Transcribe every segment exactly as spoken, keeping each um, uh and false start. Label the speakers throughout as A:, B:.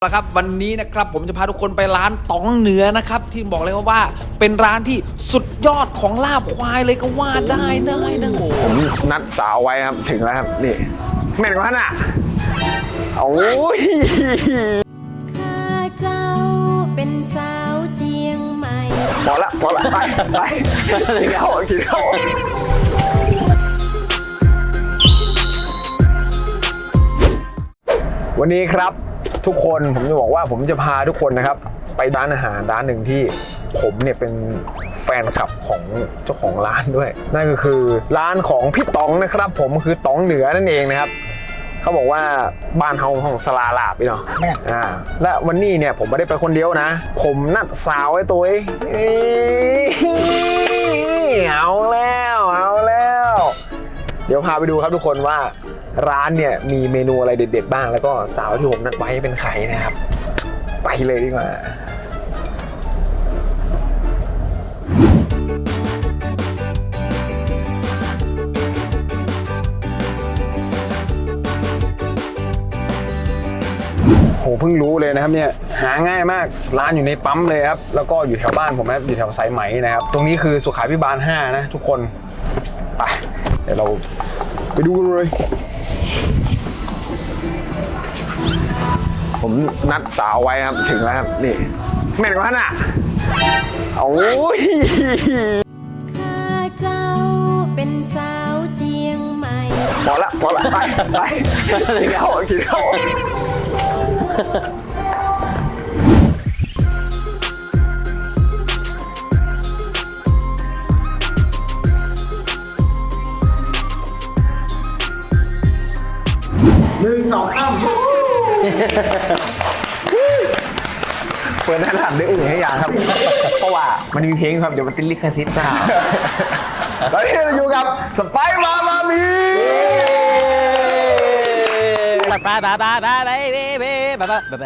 A: ครับวันนี้นะครับผมจะพาทุกคนไปร้านต๋องเหนือนะครับที่บอกเลยว่าเป็นร้านที่สุดยอดของลาบควายเลยก็ว่าได้ได้นะผมนัดสาวไว้ครับถึงแล้วครับนี่แม่นกว่าน่ะโอ้ย
B: ข้าเจ้าเป็นสาวเจียงใหม่
A: พอละพอละไปไปกินข้าวกินข้าววันนี้ครับทุกคนผมจะบอกว่าผมจะพาทุกคนนะครับไปร้านอาหารร้านหนึ่งที่ผมเนี่ยเป็นแฟนคลับของเจ้าของร้านด้วยนั่นก็คือร้านของพี่ต๋องนะครับผมคือต๋องเหนือนั่นเองนะครับเขาบอกว่าบ้านเฮาของสลาลาบพี่เนาะอ่าและวันนี้เนี่ยผมไม่ได้ไปคนเดียวนะผมนัดสาวไว้ตัวเอ้ยเอาแล้วเอาแล้วเดี๋ยวพาไปดูครับทุกคนว่าร้านเนี่ยมีเมนูอะไรเด็ดๆบ้างแล้วก็สาวที่ผมนัดไว้เป็นใครนะครับไปเลยดีกว่าโหเพิ่งรู้เลยนะครับเนี่ยหาง่ายมากร้านอยู่ในปั๊มเลยครับแล้วก็อยู่แถวบ้านผมนะครับอยู่แถวสายไหมนะครับตรงนี้คือสุขาภิบาลห้านะทุกคนไปเดี๋ยวเราไปดูกันเลยผมนัดสาวไว้ครับถึงแล้วครับนี่แม่นกว่าน่ะโอ้ย
B: ข้าเจ้าเป็นสาวเจียงใหม่
A: พอละพอละไปไปกินข้าวกินข้าวหนึ่งสองสามเปิดหน้าหลังได้อุ่นให้อย่างครับเพราะว่ามันมีเพลงครับเดี๋ยวมันติดลิขสิทธิ์จ้าตอนนี้เราอยู่กับสไปร์มามามี
C: ปาปาปาปาปาไปไปไปปาปาปาปาปาปาปาปาปาปาปาปาปา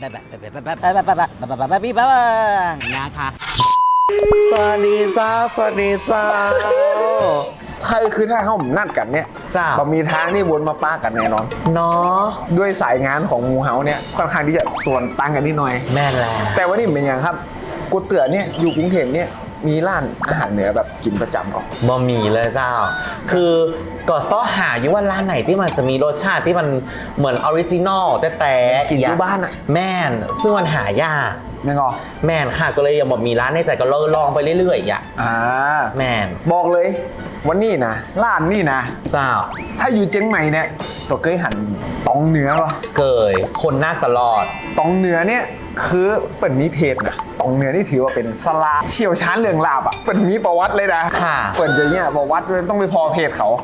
C: ปานะคะ
A: สวัสดีจ้าสวัสดีจ้าใช่คือถ้าเขาผมนัดกันเนี่ยจ้าบะมีทางที่วนมาป้ากันแน่นอนเนาะด้วยสายงานของมูเฮาเนี่ยค่อนข้างที่จะส่วนต่างกันนิดหน่อย
C: แม่นแล้ว
A: แต่วันนี้เป็นอย่างครับกูเตือนเนี่ยอยู่กรุงเทพเนี่ยมีร้านอาหารเหนือแบบกินประจำก่อน
C: บะหมี่เลยเจ้าคือก็ซ้อหาอยู่ว่าร้านไหนที่มันจะมีรสชาติที่มันเหมือนออริจินอลแต่แต่
A: กินที่บ้านอะ
C: แม่นซึ่งมันหายาก
A: แม่งอ
C: แม่นค่ะก็เลยยังบอกมีร้านในใจก็ลองไปเรื่อยๆอ่ะ
A: อ่า
C: แม่น
A: บอกเลยวันนี้นะร้านนี่นะ
C: เจ้า
A: ถ้าอยู่เจียงใหม่เนี่ยตัวเคยหันตองเหนือป่ะ
C: เคยคนหน้าตลอด
A: ตองเหนือเนี่ยคือเปิดมีเพจนะตองเหนือนี่ถือว่าเป็นสลาเชี่ยวชาญเรื่องลาบอ่ะเปิดมีประวัติเลยนะ
C: ค่ะ
A: เปิดอย่างเงี้ยประวัติต้องไปพอเพจเขา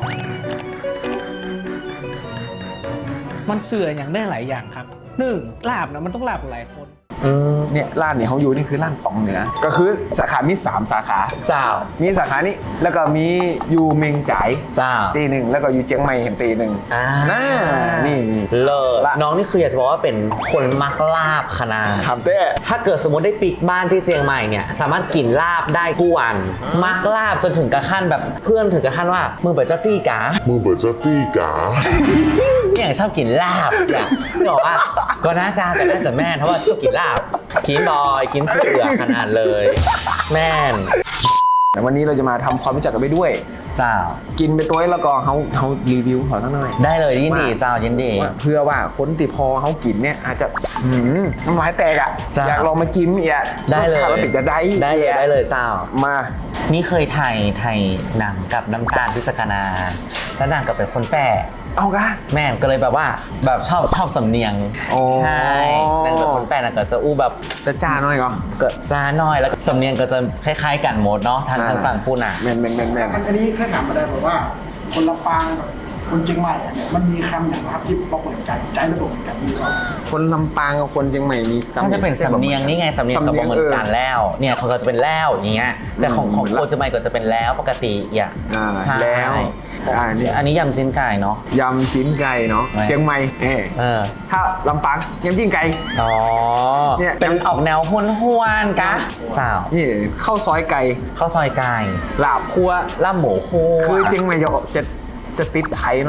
D: มันเสื่ออย่างได้หลายอย่างครับหนึ่งลาบนะมันต้องลาบหลายคน
A: เนี่ยร้านเนี่ยเขาอยู่นี่คือร้านตองเหนือก็คือสาขามีสามสาขา
C: เจ้า
A: มีสาขานี้แล้วก็มีอยู่เมงจ่าย
C: เจ้า
A: ตีหนึ่งแล้วก็อยู่เจียงใหม่เห็นตีหนึ่ง
C: อ่า
A: นี่
C: เลิศน้องนี่คืออยากจะบอกว่าเป็นคนมักลาบขนาด
A: ทำเต้
C: ถ้าเกิดสมมติได้ปิกบ้านที่เจียงใหม่เนี่ยสามารถกินลาบได้ทุกวันมักลาบจนถึงกระขั้นแบบเพื่อนถึงกระขั้นว่ามือเปิดเจ้าตี้กา
E: มือเปิดเจ้าตี้กา
C: เนี่ยชอบกินลาบเนี่ยบอกว่าก็น่าจะแต่น่าจะแม่เพราะว่าชอบกินลาบกินบอยกินเสือขนาดเลยแม่น
A: แต่วันนี้เราจะมาทำความรู้จักกันไปด้วย
C: เจ้า
A: กินไปตัวแล้วก็เขาเขารีวิวขอตั้งหน่อย
C: ได้เลยยินดีเจ้ายินดี
A: เพื่อว่าคนที่พอเขากินเนี่ยอาจจะน้ำลายแตกอ่ะอยากลองมากินอีก
C: ได้เลย
A: รสชาติมันจะได้
C: ได้เลยได้เลยเจ้า
A: มา
C: นี่เคยถ่ายถ่ายหนังกับน้ำตาลพิศกนาแล้วนางก็เป็นคนแปะ
A: เอากะ
C: แม่ก็เลยแบบว่าแบบชอบชอบสำเนียงใช่นางเป็นคนแปะนางก็จะอู้แบบ
A: จะจ้าน้อยก็
C: ก็จ้าน้อยแล้วสำเนียงก็จะคล้ายๆกันหมดเนาะทางทางฝั่งพูดน่ะ
A: แม่นแม่นแม่นแม่น
F: อันนี้แค่ถามมาได้บอกว่าคนลำปางกับคนเชียงใหม่เนี่ยมันมีคำอย่างครับที่บอกเหมือนกันใจระบบเหมือนกันมีก่อน
A: คนลำปางกับคนเชียงใหม่มี
C: ก็จะเป็นสำเนียงนี่ไงสำเนียงกับเหมือนกันแล้วเนี่ยเขาก็จะเป็นแล้วอย่างเงี้ยแต่ของของคนเชียงใหม่ก็จะเป็นแล้วปกติอย่าง
A: แล้ว
C: อันนี้ยำจิ้นไก่เนาะ
A: ยำจิ้นไก่เนาะเชียงใหม่เออถ้าลำปางยำจิ้นไก่
C: อ๋อเนี่ยเป็นออกแนวห้วนห้วนกะสาว
A: นี่ข้าวซอยไก่
C: ข้าวซอยไก่
A: ลาบคั่ว
C: ลาบหมูคั่ว
A: คือจริงไหมจะจะติดไทยหน่อย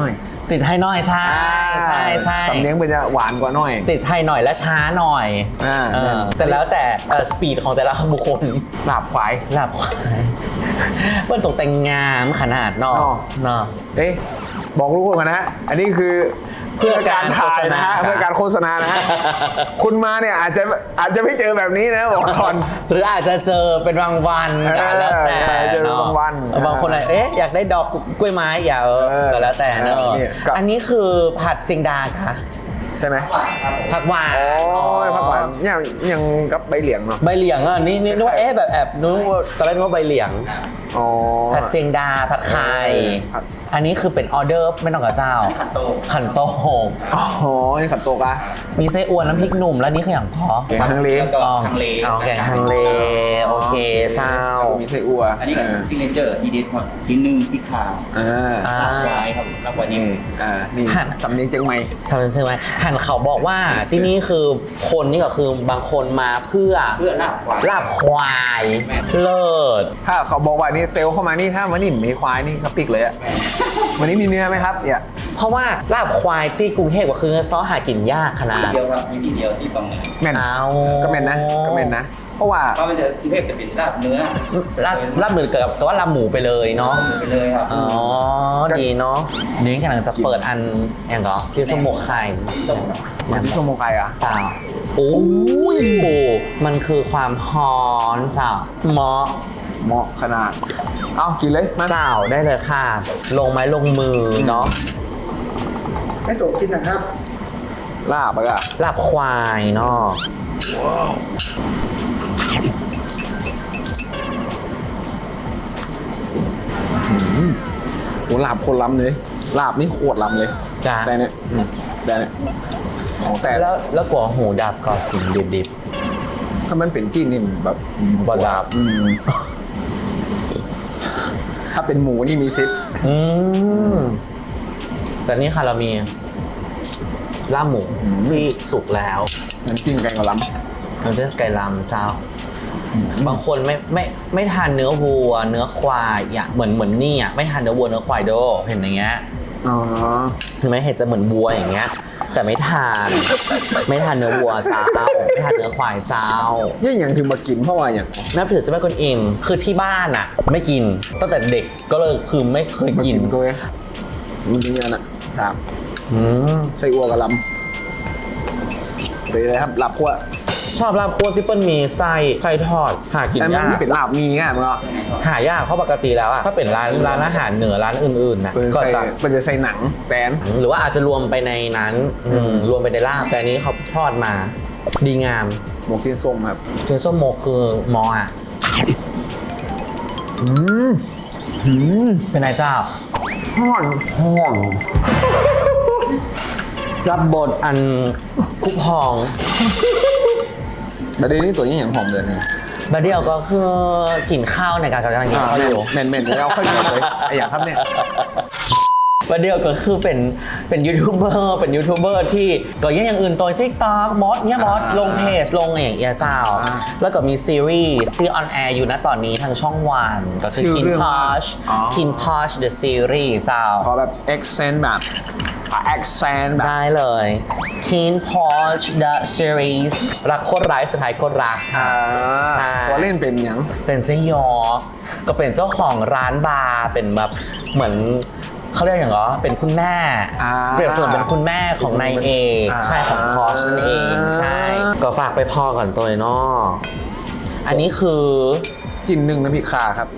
C: ติดไทยหน่อยใช่ใช่ใช่
A: สำเนียงมันจะหวานกว่าหน่อย
C: ติดไทยหน่อยและช้าหน่อย
A: อ่า
C: เออแต่แล้วแต่สปีดของแต่ละบุคคล
A: ลาบควาย
C: หลับควายมันตกแต่งงามขนาดเนอก
A: เนาะ
C: เนาะ
A: เอ๊ะบอกทุกคนกันนะฮะ อันนี้คือ
C: เพื่อการ
A: ถ่ายนะฮะ
C: โฆษณา
A: เพื่อการโฆษณานะฮะ คุณมาเนี่ยอาจจะอาจจะไม่เจอแบบนี้นะบอกก่อน
C: หรืออาจจะเจอเป็นบางวัน
A: เออ
C: แล้วแต่
A: เจอเป็น
C: เนาะ
A: บางวัน
C: เออบางคนอะไรเอ๊ะอยากได้ดอกกล้วยไม้อย่าเออ
A: เออ
C: ก็แล้วแต่เนอะ
A: เออเนี่ยก็
C: อันนี้คือผัดซิงดาค่ะ
A: ใช่ไหม
C: ผักหวาน
A: โอ้ยพักหวานยังยังกับใบเหลียงเนาะ
C: ใบเหลียงอ่ะนี่นี่นึกว่าเอ๊ะแบบแอบนึกว่าตอนแรกนึกว่าใบเหลียง
A: อ๋อ
C: ผัดเซียงดาผัดไข่
A: เออผัด
C: อันนี้คือเป็นออเดอร์ไม่ต้องกับเจ้าขันโตขันโต
A: อ๋อนี่ขัดโตกอะ
C: มีไส้อั่วน้ำพริกหนุ่มแล้วนี่คืออย่างพอ
A: แกงฮังเล
C: อ๋ออ๋อแกงฮังเลโอเคเจ้า
A: แล้วก็มีไส้อั่ว
E: อันนี้ก็ซิงเกิลทีเด็ดครับที่หนึ่งที่ขาว
A: อ่า
C: อ่า
E: ลาบควายครับลาบควาย
A: นี่
E: นี่
A: อ่านี่
C: หั่น
A: สำเนียงเจียงใหม่
C: ทำเป็นใช่ไหมหันเขาบอกว่าที่นี่คือคนนี่ก็คือบางคนมาเพื่อ
E: เพื่อลาบควาย
C: ลาบควายเลิศ
A: ถ้าเขาบอกว่านี่เตลเข้ามานี่ถ้ามันนี่มีควายนี่ก็ปิกเลยอะวันนี้มีเนื้อไหมครับเนี่ย
C: เพราะว่าลาบควายที่กรุงเทพก็คือซอหากินยากขนาด
E: ที่เดียวครับมีที่เดียวที่ตรงนี้
A: แม่น
C: เอา
A: ก็แม่นนะก็แม่นนะ เพราะว่า
E: เพราะมันจะกรุงเทพจะเป็นลาบเนื้อ
C: ลาบลาบเหมือนกับกับว่าลาบหมูไปเลยเนาะ
E: ไปเลยครับ
C: อ๋อ ดีเนาะเดี๋ยวนี้กำลังจะเปิดอันอย่างก็ที่สมกไข่
A: มันจะสโมไกอ่ะ
C: จ้าโอ้ยมันคือความฮอนจ้าเหมาะ
A: เหมาะขนาด เอากินเลยมา
C: เจ้าได้เลยค่ะ ลงไม้ลงมือเนาะ
F: ให้โสกินนะครับ
A: ลาบอะ
C: ลาบควายเนาะ
A: โอ้ลาบคนล้ำเลย ลาบนี่โคตรล้ำเลย
C: จ้า
A: แต่เนี่ยอืมแต่เนี่ยของแต่
C: แล้วแล้วกลัวหูดับก็กินดิบ
A: ถ้ามันเป็นจีนนี่แบบ
C: ๆบ่ดับ
A: อืมถ้าเป็นหมูนี่มีซิป
C: อืมแต่นี่ค่ะเรามีลาบหมูที่สุกแล้ว
A: น้ำจิ้มไก่กะล้
C: เราจะไก่ลำเจ้า บางคนไม่ไม่ไม่ทานเนื้อวัว เนื้อควายอย่างเหมือนเหมือนนี่อ่ะไม่ทานเนื้อวัวเนื้อควายโดเห็นอย่างเงี้ย
A: ำอ๋อ
C: ถึงแม้เห็นจะเหมือนวัวอย่างเงี้ย แต่ไม่ทาน ไม่ทานเนื้อวัวเจ้า ไม่ทานเนื้อควายเจ้า
A: ยังอย่างถึงมากินเพราะว่าอย่าง
C: นับถือเจ้าแม่กวนอิมคือที่บ้านอ่ะ ไม่กินตั้งแต่เด็กก็เลยคือไม่เคย
A: มา
C: กิ
A: กิ
C: น
A: นตัวเองมันเป็นอย่างนั้นอะครับ
C: อืม
A: ไส้อั่วกะล้ำเป็นอะไรครับลาบคั่ว
C: ชอบลาบคั่วที่เปิ้ลมีไส้ไส้ทอดหากิน
A: แต่มั
C: ยาน ก
A: ไม่เป็นลาบมีง่ายมั้งเหรอ
C: หายากเพราะปกติแล้วอะถ้าเป็นร้านร้านอาหารเหนือร้านอื่นๆนะ
A: เป็น
C: ก็
A: ใส่
C: จะ
A: เป็นจะใส่หนังแป้น
C: หรือว่าอาจจะรวมไปในนั้นอืมรวมไปในลาบแต่อันนี้เขาทอดมา ดีงาม
A: หมกเทียนส้มครับ
C: เจนส้มโมคือมออะ
A: อืมอืม
C: เป็นนายเจ้า
A: ห่อนห่อน
C: รับบทอันคุกพอง
A: แต่เดี๋ยวนี้ตัวนี้อย่างหอมเลยนะ
C: บาเดียวก็คือกินข้าวในการกำลังกินข้าวอยู่
A: เมนเมนแล้วค่อยเหนียวเลยไอ้อย่างครับเนี่ย
C: บาเดียวก็คือเป็นเป็นยูทูบเบอร์เป็นยูทูบเบอร์ที่ก็ยังอย่างอื่นตัวทิกตอกมอสเนี่ยมอสลงเพจลงอย่างเงี้ยเจ้า แล้วก็มีซีรีส์ที่ออนแอร์อยู่นะตอนนี้ทางช่องวันก็คือ
A: ชื่อ
C: Kin
A: เรื่องว่า
C: Posh
A: อ๋อ
C: Kin Posh the series เจ้า
A: ขอแบบ accent แบบ accent แบบ
C: ได้เลย Kin Posh the series รักโคตรร้ายสุดท้ายโคตรรัก
A: อ่า
C: ใช่
A: ตัวเล่นเป็นอย่าง
C: เป็นเจ๊ยอ ก็เป็นเจ้าของร้านบาร์เป็นแบบเหมือนเขาเรียกอย่างเหรอเป็นคุณแม่
A: อ่า
C: เปรียบเสมือนเป็นคุณแม่ของนายเอก
A: อ่า
C: ใช่ของพอชนั่นเองใช่ ก็ฝากไปพอก่อนตัวเนาะอันนี้คือ
A: จินหนึ่งน้ำพริกข่าครับ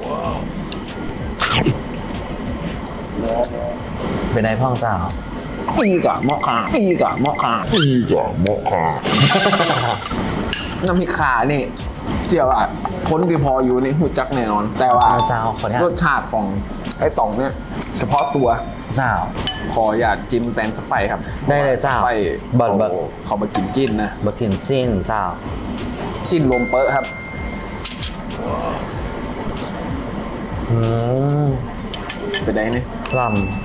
C: เป็นนายพ่องเจ้า
A: อีกอะหมอกขาอีกอะหมอกขาอีกอะหมอกขาน้ำพริกข่านี่เจียวอะคนที่พออยู่นี่หูจักแน่นอน แต่ว่า
C: เจ้าขออนุญาต
A: รสชาติของไอ้ต๋องเนี่ยเฉพาะตัว
C: เจ้า
A: ขออยากจิ้มแตงสไปร์ครับ
C: ได้เลยเจ้า
A: สไปร์
C: บัดบัด
A: เขาเขามากินจิ้นนะ
C: บะกินจิ้นเจ้า
A: จิ้นลมเปอะครับ
C: อืม
A: ไปได้นี่
C: ล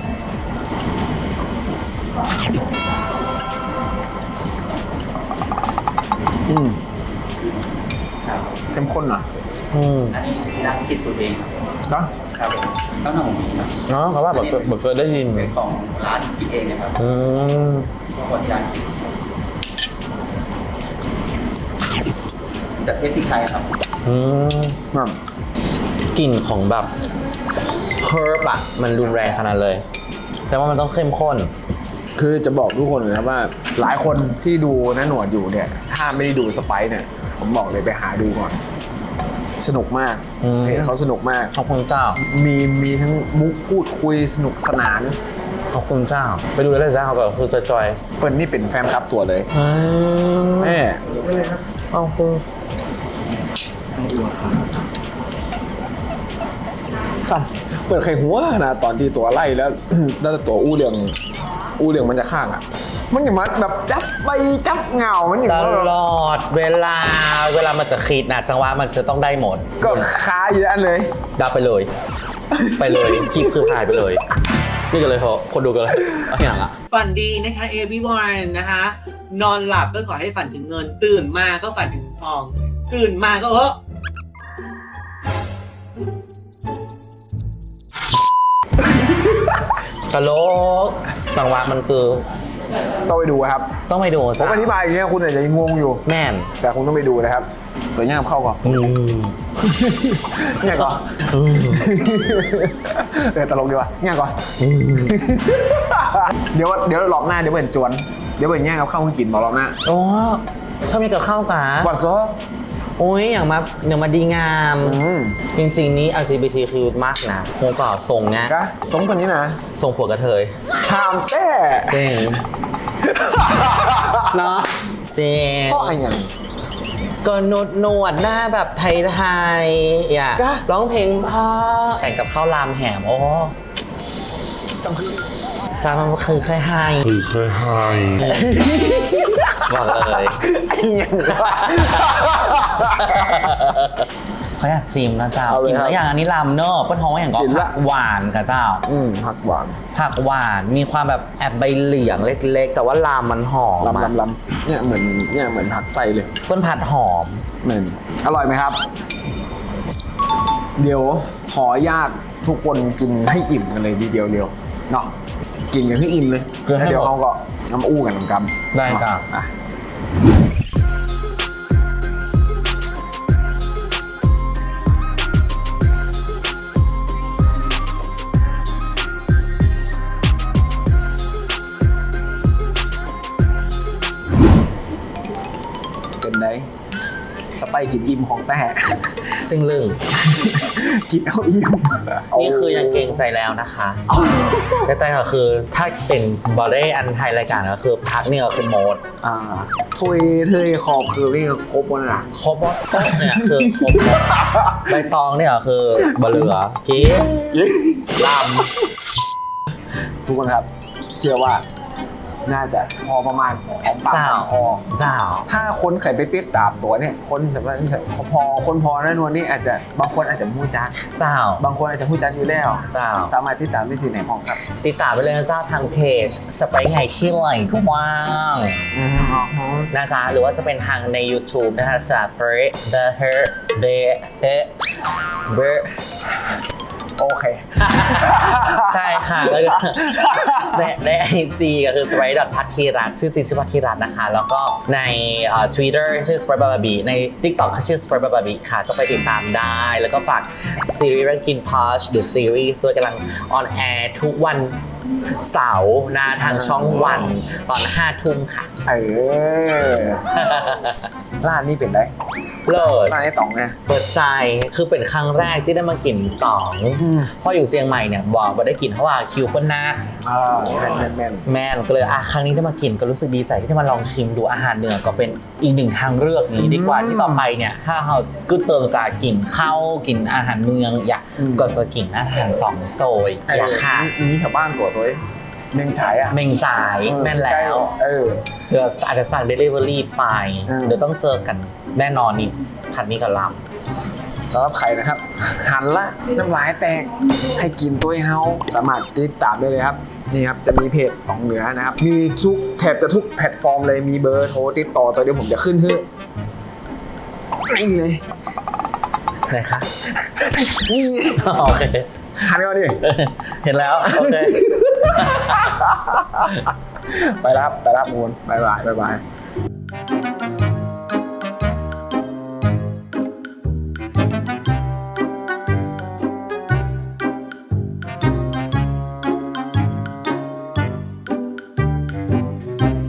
A: อืมเข้มข้นอ่ะ
C: ำอืม
E: อันนี้นักคิดสูตรเองครับ
A: เนาะ
E: ครับผมข้าวหน้าหมูครับ
C: เนาะเพราะว่าแบบแบบเคยได้ยิน
E: เป็นของร้านคิดเองนะครับ
C: อืม
E: คนจานจากเพชรที่ไทยครับ
C: อืม
A: แบบ
C: กลิ่นของแบบเฮิร์บอะมันรุนแรงขนาดเลย แต่ว่ามันต้องเข้มข้น
A: คือจะบอกทุกคนเลยครับว่าหลายคนที่ดูน้าหนวดอยู่เนี่ยถ้าไม่ได้ดูสไปซ์เนี่ยผมบอกเลยไปหาดูก่อน สนุกมาก
C: อืม
A: เพจเขาสนุกมาก
C: ขอบคุณเจ้า
A: มีมีทั้งมุกพูดคุยสนุกสนาน
C: ขอบคุณเจ้า ไปดูเลยเจ้าก็คือจอย
A: เปิ้ลนี่เป็นแฟนคลับตัวเลย
C: ๆอืม
A: แม่
C: เอาคุณ
A: สั่นเปิดไข่หัวขนาดตอนที่ตัวไล่แล้ว แล้วตัวอู้เรื่องอู้เรื่องมันจะข้างอ่ะ มันอย่างมันแบบจับไปจับเงา มันอย่าง
C: ต
A: ว่าแบบ
C: ลอดเวลาเวลามันจะคิดนะจังหวะมันจะต้องได้หมด
A: ก็ค้าอยู่อันเลย
C: ดับไปเลย ไปเลยคลิปคือหายไปเลย นี่กันเลยเขาคนดูกันเลยเอาอย่างอะ
D: ฝันดีนะคะ everyone นะคะ นอนหลับก็ขอให้ฝันถึงเงิน ตื่นมาก็ฝันถึงทอง ตื่นมาก็เออ
C: ตลกจังหวะมันคือ
A: ต้องไปดูครับ
C: ต้องไปดู
A: ผม
C: ซะ
A: อธิบายอย่างเงี้ยคุณอาจจะงงอยู่
C: แม่น
A: แต่คุณต้องไปดูนะครับ ตัวย่ามเข้าก่อน
C: อืม
A: เนี่ยก่อน
C: อืม
A: เออตลกดีว่ะเนี่ยก่อน เดี๋ยวเดี๋ยวรอบหน้าเดี๋ยวเปิดจวน เดี๋ยวเปิดแย่งกับข้าวให้กินบอกรอบหน้า
C: โอ้ชอบมีกับข้าวกะ
A: วัดซอ
C: โอ้ยอย่างมาอย่างมาดีงาม
A: อืม
C: จริงๆนี้ แอล จี บี ที คิว มากนะโหก็ส่งเนี้ย
A: กะสมคนนี้นะ
C: ส่งผัวกระเทย
A: ถามแต่
C: จริงเนาะจริง
A: เพราะอะไรอย่าง
C: ก็นวดนวดหน้าแบบไทยๆอย่า
A: จ้ะ
C: ร้องเพลงเพ่อแต่งกับข้าวรามแหมโอ้
A: สำคัญ
C: ซามันคือแค่ไฮคือแค่ไฮบอกเลย
A: ไอ้อย่างวะ
C: เขาอยากจิ้มนะเจ้า
A: เอาเลย
C: กิน
A: ครับ
C: แล้วอย่างอันนี้ลำเนอะป้นท้องว่าอย่างก็
A: จิ้มละ
C: ผักหวานกับเจ้า
A: อืมผักหวาน
C: ผักหวานมีความแบบแอบใบเหลียงเล็กๆ แต่ว่าลามมันหอม
A: ลำ
C: อะ
A: ลำลำเนี่ยเหมือนเนี่ยเหมือนผักไตเลย
C: ต้นผัดหอม
A: เหมือนอร่อยไหมครับ เดี๋ยวขออนุญาตทุกคนกินให้อิ่มกันเลยทีเดียวเดียวเนาะกินกันให้อิ่มเลย
C: เกินให้
A: แล้วเดี๋ยว
C: หมด
A: เขาก็น้ำอู้กันน้ำกำ
C: ได้ครับ
A: อ่ะเป็นไงสไปกินอิ่มของแต่
C: ซึ่งลึง
A: กินเอาอิ่ม
C: นี่คือยังเกรงใจแล้วนะคะแต่แต่ก็คือถ้าเป็นบอดี้อันไทยรายการก็คือพักนี่ก็คือโมด
A: อ่าทุยเทยขอบคือนี่ก็ครบแล้วนะ
C: ครบว่าโต๊ะเนี่ยคือครบหมดใบตองเนี่ยคือบะเหลือกี้ล
A: ทุกคนครับ เชื่อว่าน่าจะพอประมาณของ
C: ำ
A: ปาก
C: เจ้า
A: ของคอ
C: เจ้า
A: ถ้าคนไข่ไปติดตามตัวเนี่ย คนสำหรับพอคนพอนั่นวันนี้อาจจะบางคนอาจจะมู้จัก
C: เจ้า
A: บางคนอาจจะมู้จักอยู่แล้ว
C: เจ้า
A: สามารถติดตามได้ที่ไหนพ้องครับ
C: ติดตามไปเลยนะเจ้าทางเพจสไปไงที่ไหลก็ว่าง
A: อืมอ๋อ
C: นะจ๊ะหรือว่าจะเป็นทางใน YouTube นะคะสาเปร The Her The The The
A: โอเค
C: ใช่ค่ะแล้วก็ในในไอจีก็คือ sprite พัทธีรัตน์ชื่อจริงชื่อพัทธีรัตน์นะคะ แล้วก็ในเอ่อ Twitter ชื่อ sprite bababi ใน TikTok ก็ชื่อ sprite bababi ค่ะ ก็ไปติดตามได้ แล้วก็ฝากซีรีส์เรื่อง Kin Touch The Series ด้วยกำลังออนแอร์ทุกวันเสาร์นะทางช่องวันตอนห้าทุ่มค่ะ
A: เออร้านนี้เป็นไร
C: เลิศ
A: ร้านไอ้ต๋องเนี่ย
C: เปิดใจคือเป็นครั้งแรกที่ได้มากินต๋อง
A: อืม
C: เพราะอยู่เชียงใหม่เนี่ยบอกว่าได้กินเพราะว่าคิวเปิ้ลหน้า
A: อ่าแม่นแม่นแม่น
C: แม่นก็เลยอ่ะครั้งนี้ได้มากินก็รู้สึกดีใจที่ได้มาลองชิมดูอาหารเหนือก็เป็นอีกหนึ่งทางเลือกนี้ดีกว่า
A: อืม
C: ที่ต่อไปเนี่ยถ้าเรากึ่เติงจากกินข้าวกินอาหารเมืองอยาก
A: อืม
C: ก็จะกินอาหารต๋องโตยอยากค่ะ
A: มีมีแถวบ้านตัวตัวเองเมงฉายอ่ะ
C: เมงจ่ายแม่นแล้ว
A: เออ
C: เดี๋ยวอาจจะสั่ง Delivery ไป
A: อืม
C: เดี๋ยวต้องเจอกันแน่นอนนี่ผัดนี้กับล
A: สำหรับใครนะครับ หันละน้ำลายแตกใครกินตัวเฮาสามารถติดตามได้เลยครับ นี่ครับ จะมีเพจของเหนือนะครับ มีทุกแทบจะทุกแพลตฟอร์มเลยมีเบอร์โทรติดต่อตัวเดียวผมจะขึ้นให้นี่เลย
C: ไหนคะ
A: นี่
C: โอเค
A: หันก่อนดิ
C: เห็นแล้ว โอเค
A: ไปแล้วครับไปแล้วมูนบายบายบายบาย